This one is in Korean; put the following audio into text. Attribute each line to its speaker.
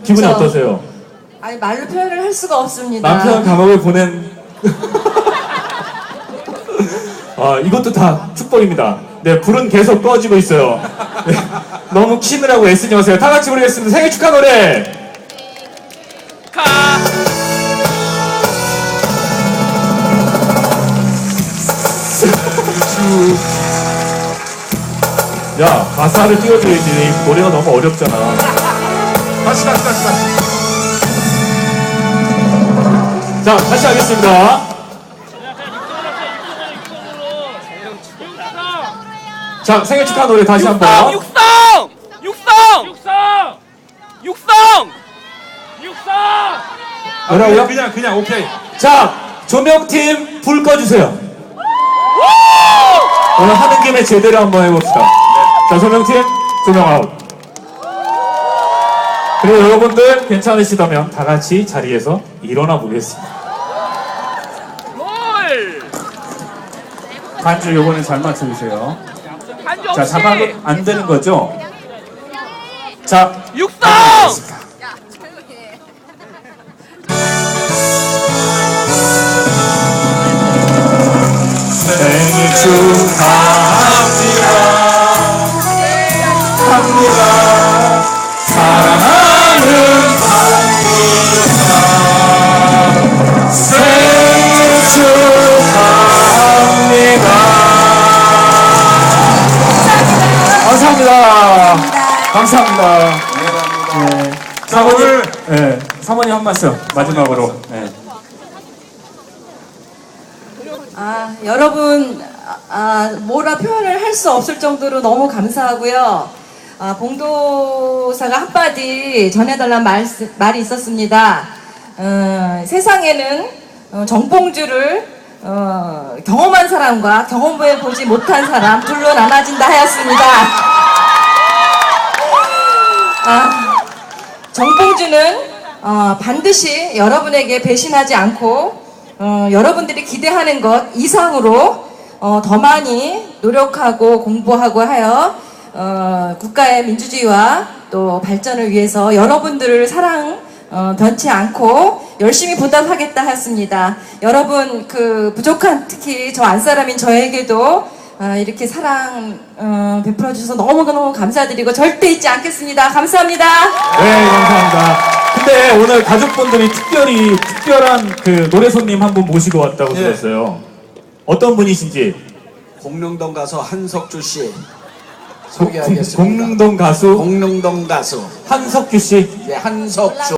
Speaker 1: 기분이
Speaker 2: 그쵸.
Speaker 1: 어떠세요?
Speaker 2: 아니 말로 표현을 할 수가 없습니다.
Speaker 1: 남편 감옥을 보낸 이것도 다 축복입니다. 네, 불은 계속 꺼지고 있어요. 네, 너무 키느라고 애쓰지 마세요. 다 같이 부르겠습니다. 생일 축하 노래. 야, 가사를 띄워줘야지. 노래가 너무 어렵잖아.
Speaker 3: 다시.
Speaker 1: 자, 다시 하겠습니다. 자, 생일 축하 노래 다시 한 번.
Speaker 4: 육성!
Speaker 1: 뭐라고요?
Speaker 3: 그냥 오케이.
Speaker 1: 자, 조명팀 불 꺼주세요. 오늘 하는 김에 제대로 한번 해봅시다. 자, 조명팀 조명 아웃. 그리고 여러분들 괜찮으시다면 다 같이 자리에서 일어나 보겠습니다. 반주 요번에 잘 맞춰주세요. 자, 잡아도 안 되는 거죠? 자,
Speaker 4: 육성!
Speaker 1: 생일 축하합니다. 사랑하는 박미화 생일 축하합니다. 감사합니다. 네. 사모님, 네, 사모님 한 말씀 마지막으로. 네.
Speaker 2: 여러분 뭐라 표현을 할 수 없을 정도로 너무 감사하고요. 봉도사가 한마디 전해달라는 말이 있었습니다. 세상에는 정봉주를 경험한 사람과 경험해보지 못한 사람 둘로 나눠진다 하였습니다. 정봉주는 반드시 여러분에게 배신하지 않고 여러분들이 기대하는 것 이상으로 더 많이 노력하고 공부하고 하여 국가의 민주주의와 또 발전을 위해서 여러분들을 사랑 변치 않고 열심히 보답하겠다 하였습니다. 여러분 그 부족한 특히 저 안사람인 저에게도 이렇게 사랑 베풀어 주셔서 너무너무 감사드리고 절대 잊지 않겠습니다. 감사합니다.
Speaker 1: 네, 감사합니다. 근데 오늘 가족분들이 특별한 그 노래 손님 한 분 모시고 왔다고 들었어요. 어떤 분이신지.
Speaker 5: 공릉동 가수 한석주 씨 소개하겠습니다.
Speaker 1: 공릉동 가수
Speaker 5: 공릉동 가수
Speaker 1: 한석규 씨.
Speaker 5: 한석주